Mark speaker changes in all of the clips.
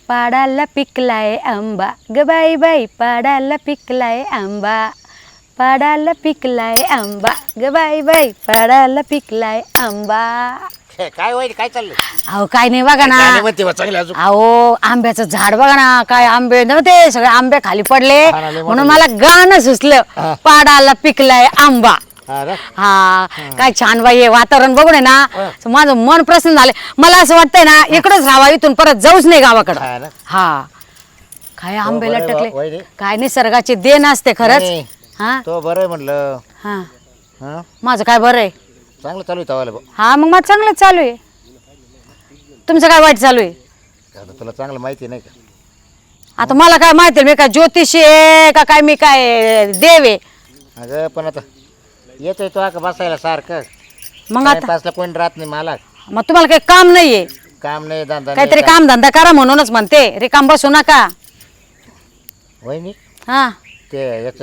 Speaker 1: पाडाला पिकलाय आंबा ग बाई बाई पाडाला पिकलाय आंबा पाडाला पिकलाय आंबा ग बाई बाई पाडाला पिकलाय आंबा
Speaker 2: काय होईल काय चाललं
Speaker 1: अहो काय नाही बघा ना
Speaker 2: चांगलं अजून
Speaker 1: अहो आंब्याचं झाड बघा ना काय आंबे नव्हते सगळे आंबे खाली पडले म्हणून मला गाणं सुचलं पाडाला पिकलाय आंबा हा काय छान बाई हे वातावरण बघून आहे ना माझं मन प्रसन्न झालं मला असं वाटतंय ना इकडंच राहावं इथून परत जाऊच नाही गावाकडं हा काय आंबे लटकले काय निसर्गाची देण असते खरंच हा
Speaker 2: तो बरं म्हणलं
Speaker 1: हा माझं काय बरं आहे
Speaker 2: चांगलं चालू आहे
Speaker 1: हा मग माझं चांगलंच चालू आहे तुमचं काय वाईट चालू आहे
Speaker 2: तुला चांगलं माहिती नाही का
Speaker 1: आता मला काय माहिती मी काय ज्योतिषी आहे का काय मी काय देव आहे
Speaker 2: अगं पण आता येतोय तो का बसायला सारखं
Speaker 1: मग आता
Speaker 2: तासला कोणी राहत नाही मला
Speaker 1: मग तुम्हाला काही काम नाहीये
Speaker 2: काम नाही धंदा
Speaker 1: काहीतरी काम धंदा करा म्हणूनच म्हणते रिकाम बसू नका
Speaker 2: वहिनी
Speaker 1: हा
Speaker 2: ते याच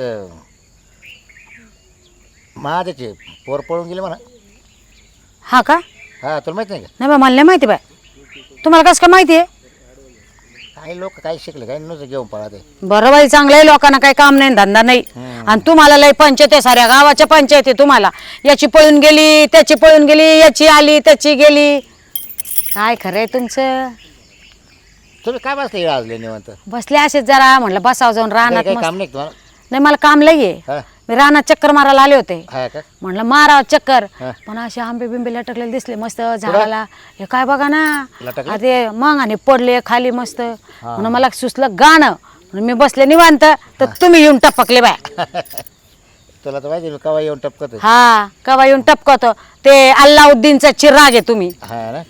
Speaker 2: महादेचे पोर पळून गेले म्हणा
Speaker 1: हा का
Speaker 2: हा तुला माहित नाही का
Speaker 1: नाही बा मला नाही माहिती बाय तुम्हाला कसं काय माहिती आहे
Speaker 2: काही लोक काही शिकले काही नुसतं घेऊन पळा
Speaker 1: बरं बाई चांगलं आहे लोकांना काही काम नाही धंदा नाही आणि तुम्हाला लय पंचायत आहे साऱ्या गावाच्या पंचायत आहे तुम्हाला याची पळून गेली त्याची पळून गेली याची आली त्याची गेली काय खरंय तुमचं
Speaker 2: तुम्ही काय बसले आजले निवंत
Speaker 1: बसले असेच जरा म्हटलं बसावं जाऊन रानात
Speaker 2: काही
Speaker 1: मस्त.
Speaker 2: काम नाही का तुम्हाला
Speaker 1: नाही मला काम लई आहे
Speaker 2: हा
Speaker 1: मी रानात चक्कर मारायला आले होते
Speaker 2: हा का
Speaker 1: म्हटलं मारा चक्कर
Speaker 2: हा.
Speaker 1: पण असे आंबे बिंबे लटकलेले दिसले मस्त झाडाला हे काय बघा ना
Speaker 2: लटकले?
Speaker 1: आ ते मग आणि पडले खाली मस्त म्हणून मला सुचलं गाणं म्हणून मी बसले निवांत तर तुम्ही येऊन टपकले बाय
Speaker 2: तुला तर माहिती मी कवा येऊन टपकत
Speaker 1: हा कवा येऊन टपकतो ते अल्लाउद्दीनचा चिराग आहे तुम्ही
Speaker 2: हा ना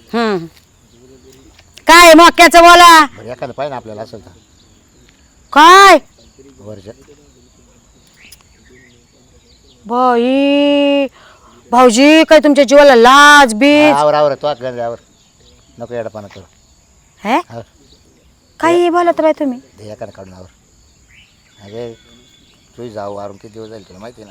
Speaker 1: काय मक्याचं बोला
Speaker 2: बरं एखादं पाहिजे ना आपल्याला असेल तर
Speaker 1: काय
Speaker 2: वर्ष
Speaker 1: बाई भाऊजी काय तुमच्या जीवाला लाज बीज
Speaker 2: आवर तो गंजावर नको येडपाना करू
Speaker 1: हे
Speaker 2: हा
Speaker 1: काही बोलत बाई तुम्ही
Speaker 2: ते एखादं काढून आवर अगे तू जाऊ आरून किती दिवस जाईल तुला माहिती ना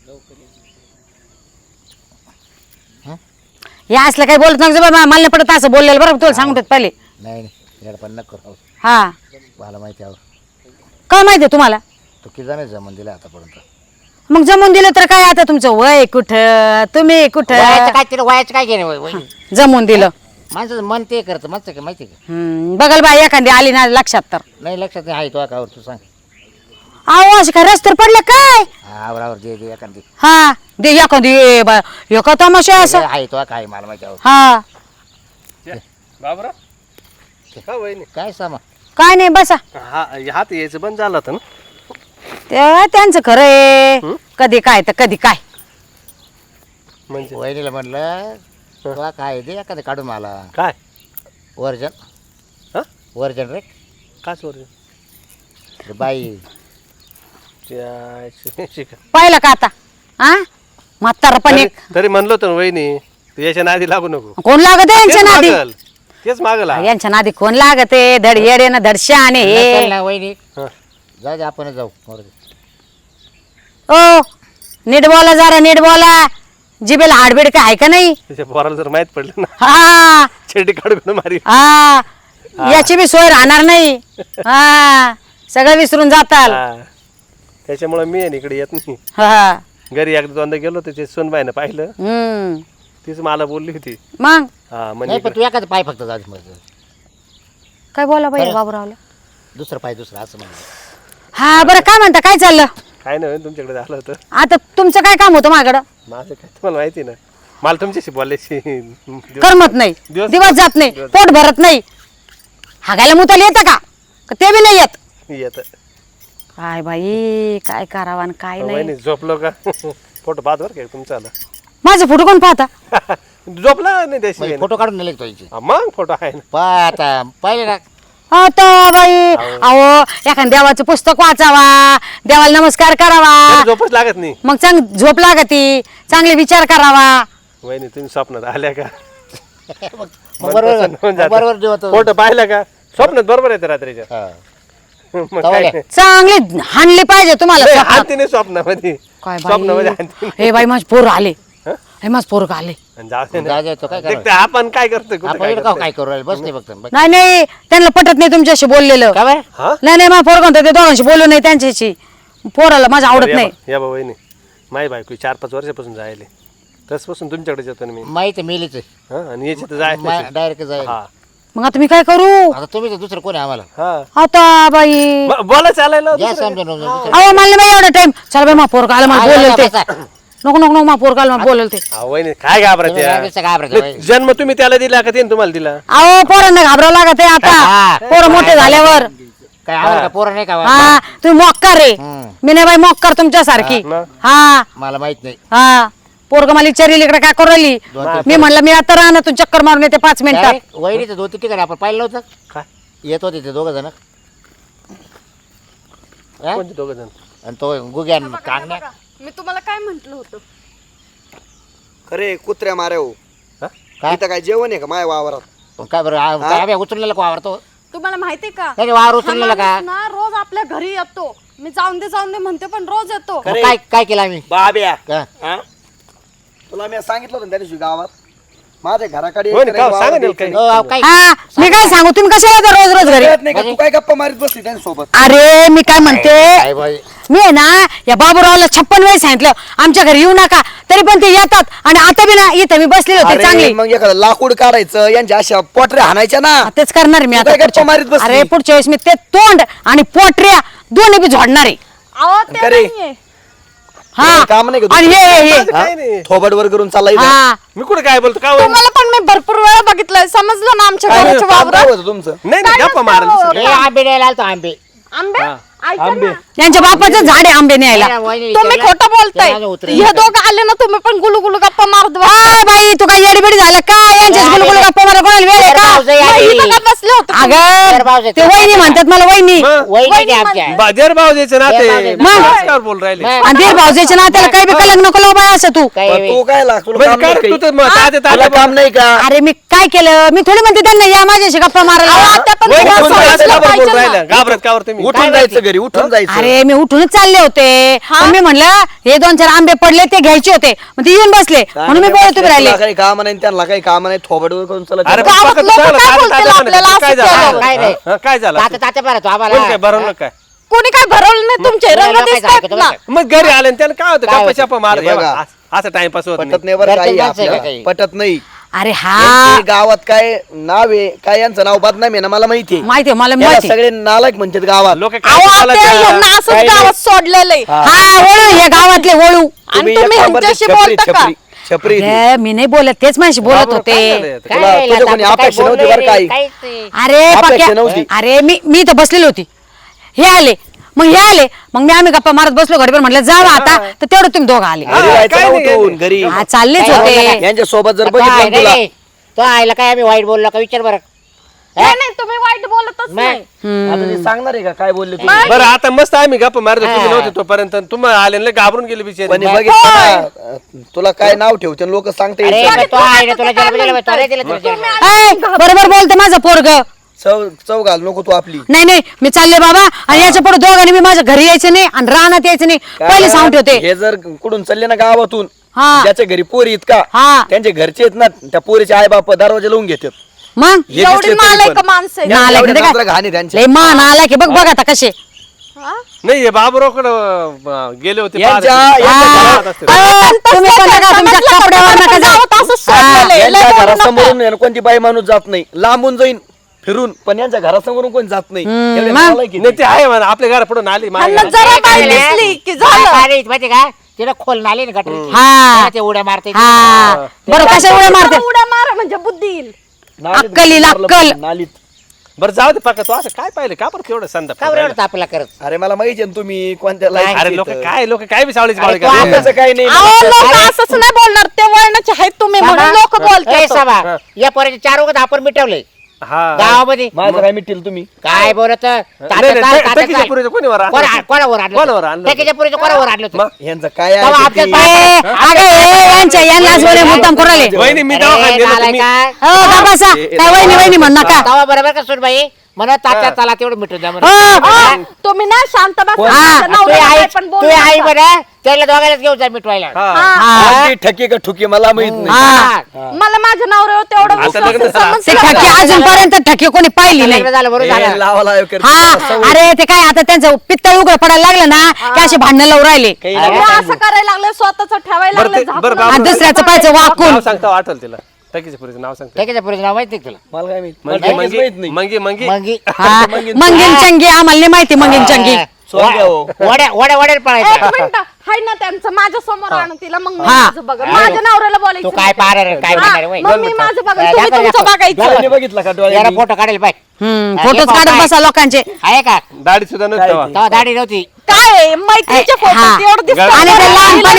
Speaker 1: हे असलं काही बोलत नका बाबा मला नाही पडत असं बोललेलं बरं तुला सांगतात पहिले
Speaker 2: नाही नाही येडपान नको करू
Speaker 1: हा
Speaker 2: मला माहिती आवर
Speaker 1: काय माहिती तुम्हाला
Speaker 2: तू किती जण जमून दिला आतापर्यंत
Speaker 1: मग जमून दिलं तर काय आता तुमचं वय कुठं तुम्ही कुठं
Speaker 2: काय तिला वयाचं काय घेणे
Speaker 1: जमून दिलं
Speaker 2: माणसाचं मन ते करतं माणसं काय माहिती का
Speaker 1: बघाल बाई एखादी आली ना लक्षात तर
Speaker 2: नाही लक्षात नाही आहे तो कावर तू सांग
Speaker 1: अहो असं काय रस्त्यावर पडलं काय
Speaker 2: आवर दे दे एखादी
Speaker 1: हा दे एखादी एका तमाशा असं
Speaker 2: आहे तो काय मला माहिती आवर
Speaker 1: हा
Speaker 3: बाबरा का वहिनी
Speaker 2: काय सामा
Speaker 1: काय नाही बसा
Speaker 3: हा हात यायचं बंद झालं होतं ना
Speaker 1: ते त्यांचं खरं आहे कधी काय तर कधी काय
Speaker 3: म्हणजे
Speaker 2: वहिनीला म्हणलं तुला काय दे एखादं काढून मला
Speaker 3: काय
Speaker 2: वर्जन
Speaker 3: हा
Speaker 2: वर्जन रे
Speaker 3: का चोर
Speaker 2: रे बाई
Speaker 3: शिका
Speaker 1: पाहिलं का आता हा म्हातारा पण एक
Speaker 3: तरी म्हणलो होतं ना वहिनी तू याच्या नादी लागू नको
Speaker 1: कोण लागत आहे यांच्या नादी
Speaker 3: तेच मागल
Speaker 1: यांच्या नादी कोण लागत आहे धड येडे ना धड शहाणे
Speaker 2: नसेल
Speaker 1: हे
Speaker 2: ना वहिनी
Speaker 3: हा.
Speaker 2: जाऊ दे आपण जाऊ मरू दे.
Speaker 1: ओ नीट बोला जरा नीट बोला जिबेला हाडबीड काय आहे का नाही
Speaker 3: त्याच्या पोराला जर माहित पडलं ना
Speaker 1: हा
Speaker 3: छेडी काढून मारी
Speaker 1: हा याची बी सोय राहणार नाही हा सगळं विसरून जाताल
Speaker 3: हा. त्याच्यामुळे मी आहे ना इकडे येत नाही
Speaker 1: हा
Speaker 3: घरी एकदा दोनदा गेलो त्याचे सोनबाईनं पाहिलं तीच मला बोलली होती
Speaker 1: मग
Speaker 3: हा
Speaker 2: नाही
Speaker 3: म्हणजे
Speaker 2: पण तू एखादं पाय फक्त जाऊ दे मग
Speaker 1: काय बोला पाहिजे बाबूरावला
Speaker 2: दुसरं पाय दुसरं असं म्हणलं
Speaker 1: हा बरं काय म्हणता काय चाललं
Speaker 3: काय नाही तुमच्याकडे झालं होतं
Speaker 1: आता तुमचं काय काम होतं माझ्याकडं
Speaker 3: माझं काय तुम्हाला माहिती ना मला तुमच्याशी बोलायची
Speaker 1: करमत नाही दिवस जात नाही पोट भरत नाही हागायला मुताला येतं का ते बी नाही येत
Speaker 3: येत
Speaker 1: काय बाई काय करावं आणि काय नाही
Speaker 3: वहिनी झोपलो का फोटो पाहत बरं का तुमचा आला
Speaker 1: माझे फोटो कोण पाहता
Speaker 3: झोपला नाही त्याशी
Speaker 2: फोटो काढून नेले तो इथे
Speaker 3: मग फोटो आहे ना
Speaker 2: पाय आता पाहिले ना
Speaker 1: आता बाई अहो एखाद्या देवाचं पुस्तक वाचावा देवाला नमस्कार करावा
Speaker 3: तरी झोपच लागत नाही
Speaker 1: मग चांग झोप लागती चांगले विचार करावा
Speaker 3: वहिनी तुम्ही स्वप्नात आल्या का
Speaker 2: मग बरोबर जेवतो
Speaker 3: फोटो पाहिला का स्वप्नात बरोबर येते रात्रीच्या
Speaker 2: हा.
Speaker 3: मग काय नाही.
Speaker 1: चांगले हाणले पाहिजे तुम्हाला
Speaker 3: नाही,
Speaker 1: स्वप्नात.
Speaker 3: हाणती नाही स्वप्नामध्ये
Speaker 1: काय
Speaker 3: स्वप्नामध्ये
Speaker 1: बाई
Speaker 3: हाणती
Speaker 1: हे बाई माझे पोर आले हे माझं पोरग आले.
Speaker 3: आणि जाऊ दे ना.
Speaker 2: जाऊ दे, तो काय
Speaker 3: देख ते आपण काय करतोय कुठं
Speaker 2: आपण
Speaker 3: काय
Speaker 2: इकडं
Speaker 3: करतोय.
Speaker 2: काय करू राहिले बसले फक्त
Speaker 1: नाही नाही त्यांना पटत नाही तुमच्याशी बोललेलं.
Speaker 2: का बरं
Speaker 3: हा
Speaker 1: नाही नाही माझा पोरग म्हणतो ते दोघांशी बोलू नाही त्यांच्याशी. पोराला माझं आवडत नाही.
Speaker 3: या बा वहिनी माही बायको 4-5 वर्षापासून जायले तसपासून तुमच्याकडे येतो ना मी.
Speaker 2: माहिती मेलीच
Speaker 3: हा आणि याची तर जायचं
Speaker 2: डायरेक्ट जाईल.
Speaker 3: हा
Speaker 1: मग आता मी काय करू
Speaker 2: आता तुम्ही तर दुसरं कोणी आम्हाला
Speaker 3: हा
Speaker 1: आता बाई.
Speaker 3: बोला चालायला
Speaker 2: या
Speaker 3: दुसरं
Speaker 2: समजून
Speaker 1: अहो मला नाही बाई एवढा टाइम. चल बाई माझा पोरग आला मला बोलल ते. नको नको नको माझा पोरग आला मला बोलल ते.
Speaker 3: काय. वहिनी काय घाबरत
Speaker 2: काय
Speaker 3: जन्म तुम्ही त्याला दिला का त्याने तुम्हाला दिला.
Speaker 1: अहो पोरांना घाबरावं लागत आहे आता. पोरं मोठे झाल्यावर.
Speaker 2: आम्हाला पोरं नाही का
Speaker 1: हा तुम्ही मोक्कार रे. मी नाही बाई मोक्कार तुमच्यासारखी.
Speaker 3: मग?
Speaker 1: हा
Speaker 2: मला माहित नाही
Speaker 1: हा पोरग मला विचारली इकडे काय करू राहिली. मी म्हणलं मी आता राहणार तू चक्कर मारून येते 5 मिनिटात.
Speaker 2: वहिनीचं 2-3 ठिकाणी आपण पाहिलं नव्हतं
Speaker 3: काय
Speaker 2: येत होते ते 2 जण
Speaker 3: कोणते 2 जण.
Speaker 2: आणि तो गुग्या कांगण्या
Speaker 4: मी तुम्हाला काय म्हंटल होतं.
Speaker 5: खरे कुत्र्या मारे हो
Speaker 2: काय?
Speaker 5: इथं काय जेवण आहे का माय वावरात.
Speaker 2: काय बरं काय आम्ही उचललेलं का वावरतो
Speaker 4: तुम्हाला माहितीये का
Speaker 2: नाही वावर
Speaker 4: हा
Speaker 2: उचललेलं का
Speaker 4: माणूस ना रोज आपल्या घरी येतो. मी जाऊन दे म्हणते पण रोज येतो.
Speaker 2: मग काय काय केलं आम्ही
Speaker 5: बाब्या
Speaker 2: का?
Speaker 5: हा? तुला मी सांगितलं होतं त्या दिवशी गावात माझ्या घराकडे
Speaker 3: हो ना,
Speaker 5: एक
Speaker 3: का?
Speaker 5: वावर
Speaker 3: सांगा ना
Speaker 5: द्यायचं
Speaker 3: काही.
Speaker 5: नाही.
Speaker 2: हो, अहो, काय
Speaker 1: हा मी काय सांगू तुम्ही कशाला येता रोज रोज घरी.
Speaker 5: कळत नाही का तू काय गप्पा मारीत बसली त्यांच्यासोबत.
Speaker 1: अरे मी काय म्हणते
Speaker 2: काय बाई
Speaker 1: मी आहे ना या बाबूरावला 56 वेळेस सांगितलं आमच्या घरी येऊ नका तरी पण ते येतात. आणि आता बी ना इथं मी बसलेले होते
Speaker 5: अरे
Speaker 1: चांगली.
Speaker 5: मग एखादं लाकूड काढायचं यांच्या अशा पोटऱ्या हाणायच्या ना.
Speaker 1: तेच करणार मी
Speaker 5: तू
Speaker 1: आता
Speaker 5: काय गप्पा
Speaker 1: पुढच्या-
Speaker 5: मारीत बसली?
Speaker 1: अरे पुढच्या वेळेस मी ते तोंड आणि पोटऱ्या दोन्ही बी झोडणार आहे.
Speaker 4: अहो ते
Speaker 5: करे.
Speaker 4: नाहीये.
Speaker 1: हा
Speaker 5: काम नाही का
Speaker 1: आणि
Speaker 5: तुझं?
Speaker 1: हे
Speaker 3: काय नाही.
Speaker 5: थोबड वर करून चालला इथं.
Speaker 1: हा
Speaker 3: मी कुठे काय बोलतो का वहिनी?
Speaker 4: तुम्हाला पण मी भरपूर वेळा बघितलंय समजलं ना आमच्या
Speaker 5: काय
Speaker 4: घराच्या
Speaker 5: काम काय
Speaker 4: वावरात.
Speaker 5: होतं तुमचं.
Speaker 3: नाही नाही गप्पा मारायला दुसरं.
Speaker 2: हे आंबे द्यायला आलतो आंबे
Speaker 4: आंबे
Speaker 3: हा.
Speaker 4: ऐका
Speaker 3: आंबे.
Speaker 4: ना.
Speaker 1: यांच्या बापाचं झाड आहे आंबे न्यायला.
Speaker 2: वहिनी
Speaker 4: तुम्ही
Speaker 2: विचारलं,
Speaker 4: खोटं बोलताय.
Speaker 2: त्याला उतरेल.
Speaker 4: हे दोघं आले ना तुम्ही पण गुलू गप्पा मारत बसा.
Speaker 1: आ, बाई तू काय येडीबिडी झालं का यांच्याच गुलगुल गप्पा मला कोणाला वेळ आहे का.
Speaker 2: भाऊजाई
Speaker 4: मग
Speaker 2: आली.
Speaker 4: इथं का बसले होते तुम्ही?
Speaker 2: तर भाऊजाई
Speaker 1: अगं ते वहिनी म्हणतात मला वहिनी.
Speaker 3: मग
Speaker 2: वहिनी द्या आमच्या
Speaker 3: बाजार भाव द्यायचे ना
Speaker 2: देर भाव
Speaker 3: ते
Speaker 2: द्यायचे.
Speaker 3: मग काय बोल राहिले.
Speaker 2: मग
Speaker 1: आणि दीर भाऊजाच्या नात्याला काही बी कलंक नको लावू बाई असं तू.
Speaker 2: काय
Speaker 5: पण तू काय लाग तुला
Speaker 3: म्हणजे
Speaker 5: काम
Speaker 3: काय
Speaker 5: नाही
Speaker 3: रे, तू
Speaker 5: काही?
Speaker 3: तर मग ताजे
Speaker 5: तुला
Speaker 3: ताजे
Speaker 5: काम नाही का.
Speaker 1: अरे मी काय केलं मी थोडी म्हणते त्यांना या माझ्याशी गप्पा मारायला.
Speaker 4: आता पण
Speaker 3: वहिनी
Speaker 4: तुम्हाला
Speaker 3: कोणत्या
Speaker 4: समजलं
Speaker 3: ताजे
Speaker 4: पाहिजे
Speaker 3: बोल
Speaker 4: ना.
Speaker 3: राहिल्या घाबरत का वर तुम्ही.
Speaker 5: उठून जायचं घरी उठून जायचं.
Speaker 1: अरे मी उठूनच चालले होते पण मी म्हणलं हे 2-4 आंबे पडले ते घ्यायचे होते मग ते येऊन बसले म्हणून मी बोलत उभे राहिले.
Speaker 5: तुला काही काम नाही त्यांना काही काम नाही थोबड वर करून चालत
Speaker 3: अरे
Speaker 5: जायचं.
Speaker 4: गावात
Speaker 3: पक्का
Speaker 4: लोकं
Speaker 3: चांगलं,
Speaker 4: काय
Speaker 3: ताजे
Speaker 4: बोलतील
Speaker 3: ताजे
Speaker 4: आपल्याला
Speaker 3: म्हणे. काय
Speaker 4: असं
Speaker 3: झालं
Speaker 4: केलं?
Speaker 2: काय रे?
Speaker 3: हा, काय झालं
Speaker 2: तात्या तात्या बरं तो
Speaker 3: कोण काय
Speaker 2: आम्हाला
Speaker 3: भरवलं काय.
Speaker 4: कोणी काय भरवलं नाही तुमचे
Speaker 2: तुला
Speaker 4: रंग
Speaker 2: लोकांचं
Speaker 4: दिसतात
Speaker 2: ऐकतो
Speaker 4: ना.
Speaker 2: बरं का?
Speaker 3: मग घरी आले आणि त्याला काय होतं
Speaker 2: काय
Speaker 3: गप्पा
Speaker 2: होतं?
Speaker 3: चप्पा मार
Speaker 5: हे बघा.
Speaker 3: असं टाइमपास होत
Speaker 5: पटत
Speaker 3: नाही.
Speaker 5: नाही बरं
Speaker 2: घरचे
Speaker 5: काही
Speaker 2: माणसं आहे का
Speaker 5: आपल्याला
Speaker 2: काही?
Speaker 5: पटत नाही.
Speaker 1: अरे हा
Speaker 5: यांचे गावात काय नाव आहे काय यांचं नाव बदनाम आहे ना मला माहितीये.
Speaker 1: माहितीये मला
Speaker 5: याला
Speaker 1: माहिती.
Speaker 5: सगळे नालायक म्हणतात गावात.
Speaker 3: लोक
Speaker 4: अहो
Speaker 3: काय
Speaker 4: आत्या, यांना असंच
Speaker 5: काही नाही.
Speaker 4: गावात सोडलेलं आहे.
Speaker 1: हा वळू हे गावातले वळू.
Speaker 4: आणि
Speaker 5: एक
Speaker 4: तुम्ही
Speaker 5: नंबरची
Speaker 4: ह्यांच्याशी
Speaker 5: छपरी
Speaker 4: बोलता का?
Speaker 5: छपरी छपरी ती.
Speaker 1: अरे, मी नाही बोलत तेच माझ्याशी बोलत होते.
Speaker 2: काय
Speaker 5: तुला-
Speaker 2: रे,
Speaker 5: तुझ्या कोणी
Speaker 2: तात्या काय
Speaker 5: अपेक्षा नव्हती
Speaker 2: बोलले
Speaker 5: बरं
Speaker 2: रे?
Speaker 5: काही.
Speaker 2: काहीच नाही.
Speaker 1: अरे
Speaker 5: अपेक्षा
Speaker 1: पक्या
Speaker 5: नव्हती.
Speaker 1: अरे मी तर बसलेली होती हे आले मग हे आले मग आम्ही गप्पा मारत बसलो घडीभर म्हटलं जावा आता तर तेवढं तुम्ही दोघं आले.
Speaker 5: घरी जायचं
Speaker 3: काय
Speaker 5: ना
Speaker 3: नाही,
Speaker 5: उठून घरी.
Speaker 1: हा चाललेच
Speaker 2: काय
Speaker 1: होते.
Speaker 2: बोलला
Speaker 5: यांच्या सोबत जर
Speaker 2: काय
Speaker 5: बघितलं
Speaker 2: नाही,
Speaker 5: तुला
Speaker 2: नाही. तो आयला काय आम्ही वाईट बोललो का विचार बरं.
Speaker 4: नाही नाही, तुम्ही वाईट बोलतच नाही.
Speaker 5: आता ते सांगणार आहे का काय बोलले तुम्ही.
Speaker 3: बरं आता मस्त आम्ही गप्पा मारतो तुम्ही नव्हते तोपर्यंत तुम्हाला आले ना घाबरून गेले बिचारे.
Speaker 5: पण हे बघितलं ना, तुला काय नाव ठेवते लोक सांगते
Speaker 2: अरे
Speaker 5: यायचं.
Speaker 2: पण तो आहे ना तुला जन्म दिला तो नाही दिला तुला जन्म.
Speaker 1: ऐ, बरोबर बोलते माझं पोरग.
Speaker 5: चव घाल नको तू आपली.
Speaker 1: नाही नाही मी चालले बाबा आणि याच्या पुढे दोघांनी मी माझ्या घरी यायचं नाही आणि रानात यायचं नाही पहिले सांगून ठेवते.
Speaker 5: हे जर कुठून चालले ना गावातून
Speaker 1: हा.
Speaker 5: ज्याच्या घरी पोरी इतका
Speaker 1: हा.
Speaker 5: त्यांचे घरचे आहेत ना त्या पोरीचे आई बाप दरवाजा लावून घेतात.
Speaker 1: मग
Speaker 5: हे
Speaker 4: एवढी
Speaker 5: दिसले तरी
Speaker 4: नालायक
Speaker 5: पण.
Speaker 4: माणसं आहेत.
Speaker 5: या
Speaker 1: नालायक
Speaker 5: एवढ्या
Speaker 1: नाही
Speaker 5: नजरा
Speaker 1: का?
Speaker 5: घाणी त्यांच्या.
Speaker 1: लय मान आला की बघ बघ आता कसे.
Speaker 4: हा?
Speaker 3: नाही हे बाबूरावकडे गेले होते
Speaker 5: यांच्या
Speaker 3: पाहत
Speaker 1: हा.
Speaker 3: असते.
Speaker 1: तुम्ही पण नका तुमच्या कपड्यावर नका जाऊ.
Speaker 4: गावात असं सोडलेलं आहे. लय
Speaker 5: यांच्या
Speaker 4: बोलू नका.
Speaker 5: घरासमोरून आहे ना कोणती बाई माणूस जात नाही लांबून जाईन फिरून पण यांच्या घरासमोरून कोण जात नाही एवढे
Speaker 1: मग?
Speaker 5: नालायक आहेत.
Speaker 3: नाही ते आहे म्हणा आपल्या घरा पुढून आली माझ्या
Speaker 4: ह्यांना
Speaker 3: घरात.
Speaker 4: जरा बाई
Speaker 2: काय
Speaker 4: दिसली की
Speaker 2: काय
Speaker 4: झालं.
Speaker 2: काय माहिती का तिला खोल नाली ना गटरीची.
Speaker 1: हा.
Speaker 2: तेव्हा ते उड्या मारते
Speaker 1: हा बरं कशा उड्या मारते
Speaker 4: उड्या मारा म्हणजे बुद्धी येईल.
Speaker 5: नालीत
Speaker 1: अक्कल येईल,
Speaker 5: मारलं
Speaker 1: अक्कल.
Speaker 5: पण नालीत.
Speaker 3: बरं जाऊ दे पक्का तू असं काय पाहिलं का बरं तेवढं संदा
Speaker 2: का बरं एवढं तापला करत
Speaker 5: अरे मला माहिती आहे ना तुम्ही कोणत्या लाईनीत
Speaker 3: अरे लोक
Speaker 5: येतं.
Speaker 3: काय बी सावळीच
Speaker 2: अरे
Speaker 3: बावळी
Speaker 2: तू
Speaker 3: करतात.
Speaker 5: तसं काही नाही
Speaker 4: अहो लोक असंच नाही बोलणार ते वळणाचे आहेत तुम्ही म्हणून लोक
Speaker 2: ए,
Speaker 4: बोलतात.
Speaker 2: साबा, या पोराचे 4 वगैरे आपण मिटवले
Speaker 3: हा
Speaker 2: गावामध्ये.
Speaker 5: माझं काय मिटेल तुम्ही
Speaker 2: काय बोलत
Speaker 3: नाही, टकीच्या पुरीचं कोणी वर आणलं?
Speaker 2: कोणावर आणलं
Speaker 3: कोणावर आणलं?
Speaker 2: टकीच्या पुरीचं कोणावर आणलं होतं?
Speaker 3: मग?
Speaker 5: यांचं काय आहे
Speaker 2: तेव्हा
Speaker 5: ते
Speaker 2: आपल्या
Speaker 5: ती-
Speaker 2: पाय-
Speaker 1: यांनाच बोले मुद्दाम करू राहिले.
Speaker 3: वहिनी मी
Speaker 2: अरे,
Speaker 3: दवाखान्यात गेलो
Speaker 2: नालायक
Speaker 3: तुम्ही
Speaker 2: काय?
Speaker 1: हो का बसा काय वहिनी वहिनी म्हण नका.
Speaker 2: तेव्हा बरोबर का सुनबाई म्हणत तात्या चला तेवढं मिटून द्या म्हणून.
Speaker 1: हो.
Speaker 4: तुम्ही ना शांत बसा.
Speaker 2: कोण?
Speaker 4: माझ्या
Speaker 2: तू
Speaker 4: नवऱ्याला
Speaker 2: आई
Speaker 4: काय पण बोलू
Speaker 2: तू आई
Speaker 4: नका.
Speaker 2: म्हणा त्याला दोघांनाच घेऊन जा मिटवायला.
Speaker 1: हा.
Speaker 5: ठकी का ठुकी मला माहित नाही.
Speaker 1: हा.
Speaker 4: मला माझ्या नवऱ्यावर तेवढं
Speaker 3: आता
Speaker 4: विश्वास
Speaker 3: लग्न
Speaker 4: आहे,
Speaker 3: झालं.
Speaker 1: ते
Speaker 4: समजलं
Speaker 1: ठकी
Speaker 4: का?
Speaker 1: अजूनपर्यंत ठकी कोणी पाहिली नाही.
Speaker 2: लग्न झालं बरोबर
Speaker 5: हे
Speaker 2: झालं.
Speaker 5: लावा लाव करते.
Speaker 1: हा अरे ते काय आता त्यांचं पित्तळ उघड पडायला लागलं ना की असे भांडणं लावून राहिले
Speaker 5: काही
Speaker 4: तुम्ही
Speaker 5: नाही.
Speaker 4: असं करायला लागले स्वतःच ठेवायला
Speaker 3: बरं
Speaker 4: लागले
Speaker 3: ते-
Speaker 4: झाकून.
Speaker 3: बरं बाबा.
Speaker 1: आणि दुसऱ्याचं पाहायचं वाकून
Speaker 3: नाव सांगता वाटल तिला टकीच्या पुरीचं नाव सांगता
Speaker 2: त्याच्या पुरीचं नाव माहिती तुला
Speaker 5: मला काय माहित. मला
Speaker 3: मंगी
Speaker 5: काहीच माहित नाही.
Speaker 3: मंगी मंगी
Speaker 2: मंगी
Speaker 1: हा मंगीन चंगी आम्हाला नाही माहिती मंगीन चंगी
Speaker 5: सोंग्या हो.
Speaker 2: वड्या वड्या वड्या
Speaker 4: एक
Speaker 2: पळायचं.
Speaker 4: मिनिट हाय ना त्यांचं माझ्या समोर आणून तिला मग मी
Speaker 1: हा.
Speaker 4: माझं बघा माझ्या नवऱ्याला
Speaker 2: तू
Speaker 4: बोलायचं
Speaker 2: काय पाहणार रे, काय
Speaker 4: हा,
Speaker 2: म्हणणार रे, वय.
Speaker 4: मग मी माझं बघा
Speaker 2: दाखव,
Speaker 4: तुम्ही तुमचं
Speaker 2: दाखव.
Speaker 4: बघायचं
Speaker 5: डोळ्यांनी बघितलं का
Speaker 2: याला
Speaker 5: डोळ्यांनी?
Speaker 2: फोटो काढेल पाय
Speaker 1: फोटोच काढत बसा लोकांचे
Speaker 2: आहे का
Speaker 3: दाढी सुद्धा नव्हती तेव्हा.
Speaker 2: तेव्हा दाढी नव्हती.
Speaker 4: काय आहे? मैत्रीचे
Speaker 1: हा.
Speaker 4: फोटो एवढं दिसतं.
Speaker 1: आणि ते लहानपणी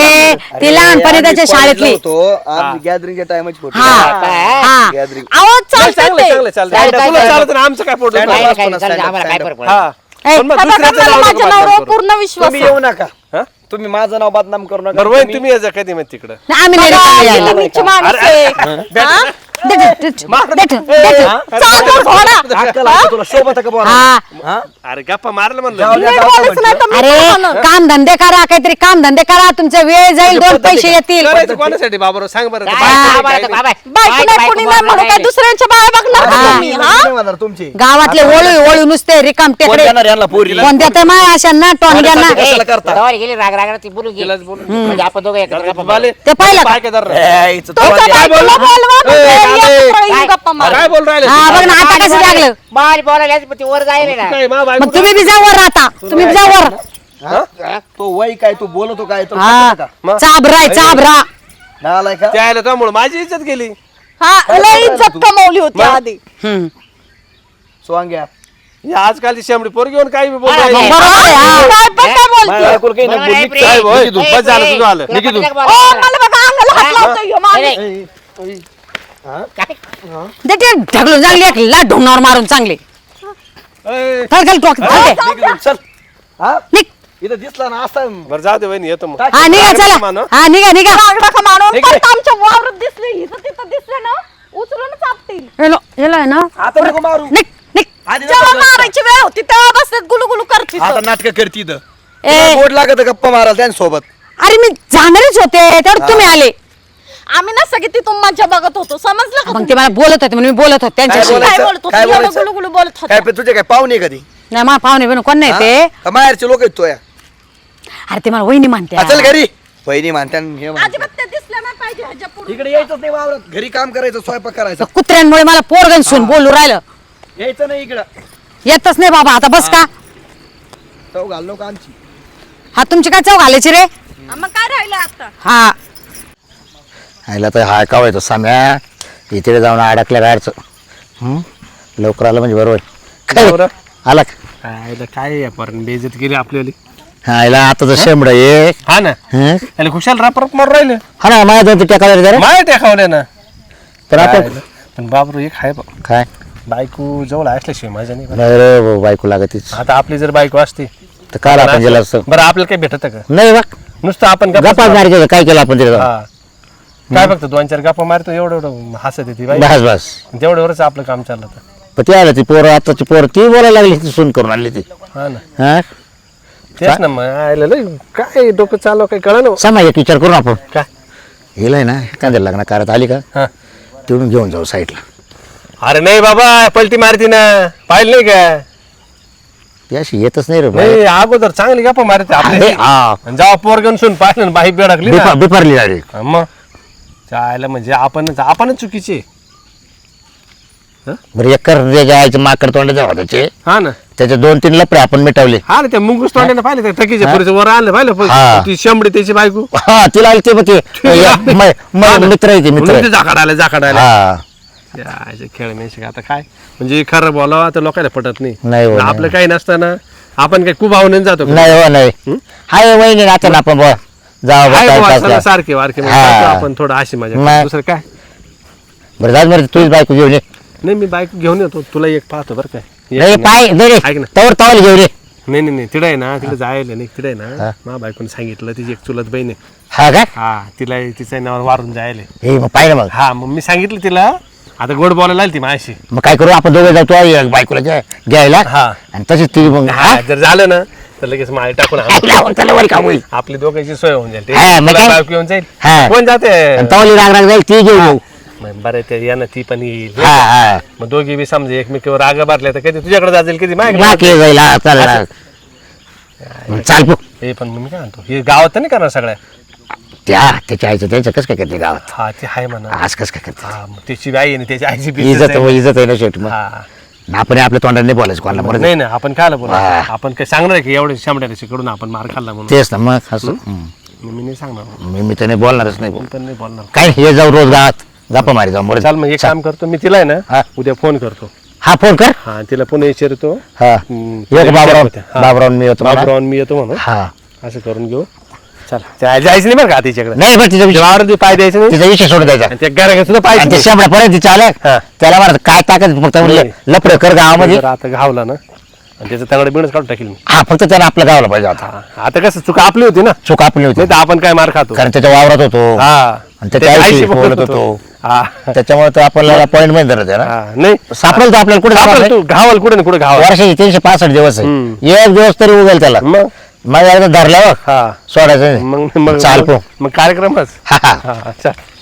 Speaker 1: ती लहानपणी त्याच्या शाळेतली
Speaker 5: गॅदरिंगच्या टायमाची फोटो.
Speaker 1: हा हा
Speaker 5: गॅदरिंग.
Speaker 4: अहो
Speaker 3: नाही,
Speaker 4: चालतंय
Speaker 3: चांगलं
Speaker 4: ते.
Speaker 3: चांगलं चालतं
Speaker 2: काय- काय-
Speaker 3: तुला
Speaker 2: काय-
Speaker 3: चालत ना आमचं काय फोटो
Speaker 5: काय-
Speaker 2: काय- काय-
Speaker 5: stand up,
Speaker 2: चालेल,
Speaker 5: stand up,
Speaker 2: आम्हाला काय
Speaker 5: stand
Speaker 2: फरक
Speaker 5: up.
Speaker 2: पडत?
Speaker 3: हा
Speaker 1: ए,
Speaker 3: पण मग
Speaker 4: हे बघा,
Speaker 3: दुसऱ्याचं
Speaker 4: मला
Speaker 3: नाव नको
Speaker 4: माझ्या
Speaker 3: बदनाम
Speaker 4: नवऱ्यावर
Speaker 3: करू.
Speaker 4: पूर्ण विश्वास
Speaker 5: तुम्ही
Speaker 4: आहे.
Speaker 5: येऊ नका.
Speaker 3: हा?
Speaker 5: तुम्ही माझं नाव बदनाम करू नका.
Speaker 3: बरं वय तुम्ही यायचं कधी मग तिकडं
Speaker 1: नाही, आम्ही नाही रिकामे यायला.
Speaker 4: किती नीच माणूस आहे. हा?
Speaker 1: दे, दे, दे, दे, दे, दे.
Speaker 4: चालतो घोडा.
Speaker 5: अक्कल आहे का तुला शोभत का बोला?
Speaker 1: हा
Speaker 5: हा?
Speaker 3: अरे गप्पा मारलं म्हणलं
Speaker 5: जाऊ द्या,
Speaker 4: नीट
Speaker 5: जाऊ द्या
Speaker 4: बोलायचं नाही तर मी
Speaker 1: अरे
Speaker 4: म्हणून.
Speaker 1: काम धंदे करा काहीतरी काम धंदे करा तुमचा वेळ जाईल दोन पैसे येतील
Speaker 3: करायचं कोणासाठी बाबा सांग बरं
Speaker 2: काय-
Speaker 3: बायको नाही,
Speaker 2: बाबा,
Speaker 3: काय नाही.
Speaker 2: बाबा,
Speaker 4: बायको नाही कोणी नाही म्हणून काय दुसऱ्यांच्या बाया बघणार का तुम्ही
Speaker 5: लग्न
Speaker 4: हा?
Speaker 5: नाही होणार तुमची.
Speaker 1: गावातले ओळू ओळू नुसते रिकाम
Speaker 5: कोण
Speaker 1: टेकडे
Speaker 5: देणार यांना पोरी?
Speaker 1: कोण देते माय अशांना टोनग्यांना
Speaker 5: कोणासाठी? कशाला करता?
Speaker 2: तेव्हा गेली राग राग ती बोलून गेली
Speaker 3: तिलाच बोलून.
Speaker 2: म्हणजे आपण दोघं एकत्र गप्पा
Speaker 3: बाले,
Speaker 1: ते पाहिलं का?
Speaker 3: बाय काय धर रे.
Speaker 5: ए, इथं
Speaker 4: तुमच्या
Speaker 5: तुम्हाला-
Speaker 4: बायकोला बोलवा म्हणजे
Speaker 3: ए,
Speaker 4: एकत्र येऊन गप्पा मारा.
Speaker 3: काय बोल राहिले
Speaker 1: हा बघ ना आता कसं लागलं
Speaker 2: बाल बोलायला पण ती वर जायला ना
Speaker 3: काय मा बायको
Speaker 1: मग तुम्ही बी जावर राहता तुम्ही बी जावर
Speaker 5: हा? तो वय काय तू बोलतो काय तो
Speaker 1: हा
Speaker 5: का?
Speaker 3: मग?
Speaker 1: चाबराय चाबरा
Speaker 5: नालाय का?
Speaker 3: ते आलं त्यामुळे माझी इज्जत गेली
Speaker 4: हा लय इज्जत कमवली होती आधी.
Speaker 1: हम्म.
Speaker 5: सोंग्या.
Speaker 3: ही आजकालची शेंबडी पोर घेऊन काही बी
Speaker 2: हा,
Speaker 3: बोलायची
Speaker 2: नाही.
Speaker 1: बरोबर आहे, हा.
Speaker 4: काय पण काय बोलते?
Speaker 5: माझ्या बायकोला काही नाही
Speaker 2: बरोबर आहे,
Speaker 5: बोलली.
Speaker 2: प्रेम.
Speaker 3: साहेब, होय, तू
Speaker 2: ए,
Speaker 3: बस झालं,
Speaker 2: प्रेम.
Speaker 3: तुझं आलं.
Speaker 2: तुला
Speaker 3: निघी तू.
Speaker 2: पटलं का
Speaker 4: ओ
Speaker 2: बोलायला?
Speaker 4: मला बघा अंगाला हात लावतोय ह्यो माणूस.
Speaker 2: नाही, काय?
Speaker 1: दे ते ढकलून चांगली एक लाट ढोंगणावर मारून चांगले
Speaker 3: ए,
Speaker 1: चल चल टोक चल दे.
Speaker 5: निघ इथून, चल. हा?
Speaker 1: निघ
Speaker 5: इथं दिसला ना असा
Speaker 3: बरं जाऊ दे वहिनी येतो मग
Speaker 1: हा निघा चला
Speaker 3: मानो.
Speaker 1: हा निघा निघा
Speaker 4: राग नका मानू.
Speaker 5: ठीक आहे.
Speaker 4: परत आमच्या वावरात दिसले इथं तिथं दिसले ना उचलूनच आपतील.
Speaker 1: हेलो हेलो आहे ना
Speaker 5: आता नको मारू.
Speaker 1: निघ निघ
Speaker 5: आधी
Speaker 4: जेव्हा
Speaker 5: नको करू.
Speaker 4: मारायची वेळ होती तेव्हा बसतात गुलुगुलू करते
Speaker 5: आता नाटक करती इथं.
Speaker 1: ए
Speaker 5: तुला गोड लागत गप्पा मारायला त्यांच्यासोबत.
Speaker 1: अरे मी जाणारच होते तेवढं तुम्ही आले
Speaker 4: आम्ही ना सगळे तिथून मज्जा बघत होतो समजलं का
Speaker 1: मग ते मला बोलत होते म्हणून मी बोलत होते
Speaker 5: काय
Speaker 1: त्यांच्याशी
Speaker 5: बोलायचं?
Speaker 4: काय बोलत होतो
Speaker 5: काय
Speaker 4: एवढं
Speaker 5: बोलायचं?
Speaker 4: गुलुगुलू बोलत होतो
Speaker 5: काय पण तुझे काय पाहुणे कधी
Speaker 1: नाही मा पाहुणे बिन कोण नाही ते
Speaker 5: माहेरचे लोक आहेत तो या.
Speaker 1: अरे ते मला वहिनी म्हणते
Speaker 5: हा, चल घरी वहिनी म्हणत्या आणि हे म्हणत्या.
Speaker 4: अजिबात ते दिसलं नाही पाहिजे ह्याच्या पुढे
Speaker 5: इकडे यायचंच नाही वावरात. घरी काम करायचं स्वयंपाक करायचा.
Speaker 1: कुत्र्यांमुळे मला पोरगण सून बोलू राहिलं
Speaker 5: यायचं नाही इकडं.
Speaker 1: येतच नाही बाबा आता बस का
Speaker 5: चव घाल नको आमची.
Speaker 1: हा तुमची काय चव घालायची रे
Speaker 4: मग काय राहिलं आता
Speaker 1: हा
Speaker 2: आईला तर हा का व्हायचं साम्या इथे जाऊन अडकल्या बाहेरचं लवकर आलं म्हणजे बरोबर काय
Speaker 3: बरोबर.
Speaker 2: आला का?
Speaker 3: काय पण बेइज्जत केली आपल्याली
Speaker 2: हा, आईला आता तर शेंबड ये
Speaker 3: हा ना
Speaker 2: हं?
Speaker 3: आणि खुशाल रापरप मारून राहिले
Speaker 2: हा ना माझ्या दोन टेका जरा
Speaker 3: माय टेकावले ना
Speaker 2: तर आपण
Speaker 3: काय? पण बाबरू एक आहे बा
Speaker 2: काय
Speaker 3: बायको जवळ असल्याशिवाय माझ्या नाही
Speaker 2: नाही रे भाऊ, बायको लागतीच
Speaker 3: आता आपली जर बायको असती
Speaker 2: तर काल आपण गेला असतो
Speaker 3: बरं आपल्याला काही भेटत का
Speaker 2: नाही बा
Speaker 3: नुसतं आपण
Speaker 2: गप्पा मारायचं काय केलं आपण तिथे
Speaker 3: हा काय फक्त 2-4 गप्पा मारतो एवढं एवढं हसत येते बाई
Speaker 2: बस बस
Speaker 3: तेवढ्यावरच आपलं काम चाललं होतं.
Speaker 2: पण ती आलं ती पोरं आताची पोरं ती बोलायला लागली ती सून करून आणली ती
Speaker 3: हा ना
Speaker 2: हा
Speaker 3: तेच ना मग आयला लय काय डोकं चालव काय कळा ना
Speaker 2: समा एक विचार करू आपण
Speaker 3: काय
Speaker 2: गेलंय ना एखाद्या लग्न करत आली का
Speaker 3: हा
Speaker 2: तिकडून घेऊन जाऊ साईडला
Speaker 3: अरे नाही बाबा पलटी मारती ना पाहिलं नाही का
Speaker 2: ती अशी येतच नाही रे बाई.
Speaker 3: नाही अगोदर चांगली गप्पा मारते
Speaker 2: अरे,
Speaker 3: आपले
Speaker 2: हा.
Speaker 3: जेव्हा पोरगन सुन पाहिलं ना बाई बेडकली ना
Speaker 2: बिफारली डायरेक्ट
Speaker 3: हा, मग चायला म्हणजे आपणच चुकीचे
Speaker 2: बरं एकर जायचं माकड तोंडाच्या होताचे
Speaker 3: हा ना
Speaker 2: त्याचे 2-3 लपडे आपण मिटवले
Speaker 3: हा ना त्या मुंगूस तोंडाने पाहिलं त्या टकीच्या पुरीचं वर आणलं पाहिलं
Speaker 2: हा.
Speaker 3: ती शेंबडी त्याची बायको
Speaker 2: हा तिला आली ते मग ते मित्र आहे ते मित्र
Speaker 3: म्हणून ते जाकाड आले
Speaker 2: हा
Speaker 3: याचे खेळ मेशी आता काय म्हणजे खरं बोलावं तर लोकांना पटत नाही
Speaker 2: नाही हो,
Speaker 3: आणि आपलं काही नसताना आपण काही खूप आवडून जातो का?
Speaker 2: नाही हो नाही हाय वहिनी आता ना आपण बुवा जाऊ बा,
Speaker 3: आहे
Speaker 2: time
Speaker 3: बुवा,
Speaker 2: pass
Speaker 3: चला
Speaker 2: करा.
Speaker 3: सारखे वारखे म्हणजे
Speaker 2: हा.
Speaker 3: जातो आपण थोडं अशी मजा
Speaker 2: नाही.
Speaker 3: दुसरं काय
Speaker 2: बरं जाऊ बरं तुझीच बायको घेऊन ये
Speaker 3: नाही मी बाईक घेऊन येतो तुला एक पाहतो बरं काय
Speaker 2: नाही
Speaker 3: एक
Speaker 2: पाय नाही
Speaker 3: ऐक ना.
Speaker 2: तवर तवाल घेऊन ये
Speaker 3: नाही तिला आहे ना तिला जायला नाही तिला आहे ना मा बायकोने सांगितलं तिची एक चुलत बहीण आहे
Speaker 2: हा का
Speaker 3: हा तिला तिच्या नावावर वारून जायला
Speaker 2: हे मग पाहिलं मग
Speaker 3: हा मग मी सांगितलं तिला आता गोड बोलायला लागली ती माझ्याशी.
Speaker 2: मग काय करू आपण दोघे जातो बायकोला घ्यायला
Speaker 3: हा.
Speaker 2: आणि तशीच ती मग
Speaker 3: हा, जर झालं ना तर लगेच माळी टाकून आणू.
Speaker 2: त्याला वर काम होईल
Speaker 3: आपली दोघांची सोय होऊन जाईल.
Speaker 2: हा, मग
Speaker 3: तुला
Speaker 2: काय?
Speaker 3: बायको येऊन जाईल.
Speaker 2: हा.
Speaker 3: कोण जाते?
Speaker 2: आणि तवली राग राग जाईल ती घेऊन येऊ
Speaker 3: मग बरं ते या ना ती पण येईल.
Speaker 2: हा हा
Speaker 3: मग दोघी बी समजा एकमेकीवर राग भरल्या तर कधी तुझ्याकडे जातील कधी माझ्याकडे.
Speaker 2: नाकी जाईल हा, चाल चाल पो
Speaker 3: हे पण मग मी काय म्हणतो हे गावात तर नाही करणार सगळ्या.
Speaker 2: त्याच्या आईचं त्याचं कसं काय करते गावात
Speaker 3: हा ते आहे म्हणा.
Speaker 2: आज कसं काय करते
Speaker 3: हा मग त्याची आई आणि त्याची आईची बी
Speaker 2: इज्जत
Speaker 3: आहे.
Speaker 2: इज्जत आहे ना शेवटी मग
Speaker 3: हा.
Speaker 2: आपण आपल्या तोंडाने नाही बोलायचं कोणाला बरं
Speaker 3: नाही ना आपण काय बोला
Speaker 2: हा.
Speaker 3: आपण काय सांगणार आहे की एवढे शामड्याशी कडून आपण मार खाल्ला म्हणून.
Speaker 2: तेच ना मग असं
Speaker 3: मी नाही सांगणार.
Speaker 2: मी तर नाही बोलणारच नाही
Speaker 3: मी पण नाही बोलणार.
Speaker 2: काय हे जाऊ रोज गावात गप्पा मारी जाऊ बरं
Speaker 3: चाल मग एक काम करतो मी तिला आहे
Speaker 2: हा.
Speaker 3: ना उद्या फोन करतो.
Speaker 2: हा फोन कर
Speaker 3: हा तिला पुन्हा विचारतो.
Speaker 2: हा
Speaker 3: तिला
Speaker 2: एक बाबराव
Speaker 3: हा.
Speaker 2: बाबरावून मी येतो मला.
Speaker 3: बाबरावून मी येतो म्हणून
Speaker 2: हा
Speaker 3: असं करून घेऊ. चल जायचं नाही बरं का तिच्याकडे.
Speaker 2: नाही बरं तिचा विषय
Speaker 3: वावरती पाय द्यायचं नाही.
Speaker 2: तिचा विषय सोडून द्यायचा
Speaker 3: आणि त्या घराकडे सुद्धा
Speaker 2: आणि ते
Speaker 3: पाहिजे.
Speaker 2: शेंबड्या पर्यंत तिच्या आल्या
Speaker 3: हा.
Speaker 2: त्याला म्हणत काय ताकद फक्त
Speaker 3: नाही.
Speaker 2: लपड कर गावामध्ये
Speaker 3: आता घावला ना आणि त्याचं तगडे बिणच काढून टाकील मी.
Speaker 2: हा फक्त त्याला आपल्या गावाला पाहिजे आता
Speaker 3: हा. आता कसं चूक आपली होती ना.
Speaker 2: चूक आपली होती
Speaker 3: नाही तर आपण काय मार खातो.
Speaker 2: कारण त्याच्या वावरात होतो
Speaker 3: हा
Speaker 2: आणि त्याच्या आईशी बोलत होतो
Speaker 3: हा
Speaker 2: त्याच्यामुळे तो आपल्याला पॉईंट मध्ये धरत आहे ना
Speaker 3: हा. नाही
Speaker 2: सापडेल तो आपल्याला कुठे
Speaker 3: आपलं तू घावाल कुठे ना कुठे घावाल.
Speaker 2: वर्षाचे 365 दिवस आहे एक दिवस तरी उगेल त्याला
Speaker 3: मग
Speaker 2: मग एकदा धरल्यावर
Speaker 3: हा
Speaker 2: सोडायचं नाही.
Speaker 3: मग
Speaker 2: चाल पो
Speaker 3: मग कार्यक्रमच.
Speaker 2: हा हा
Speaker 3: हा अच्छा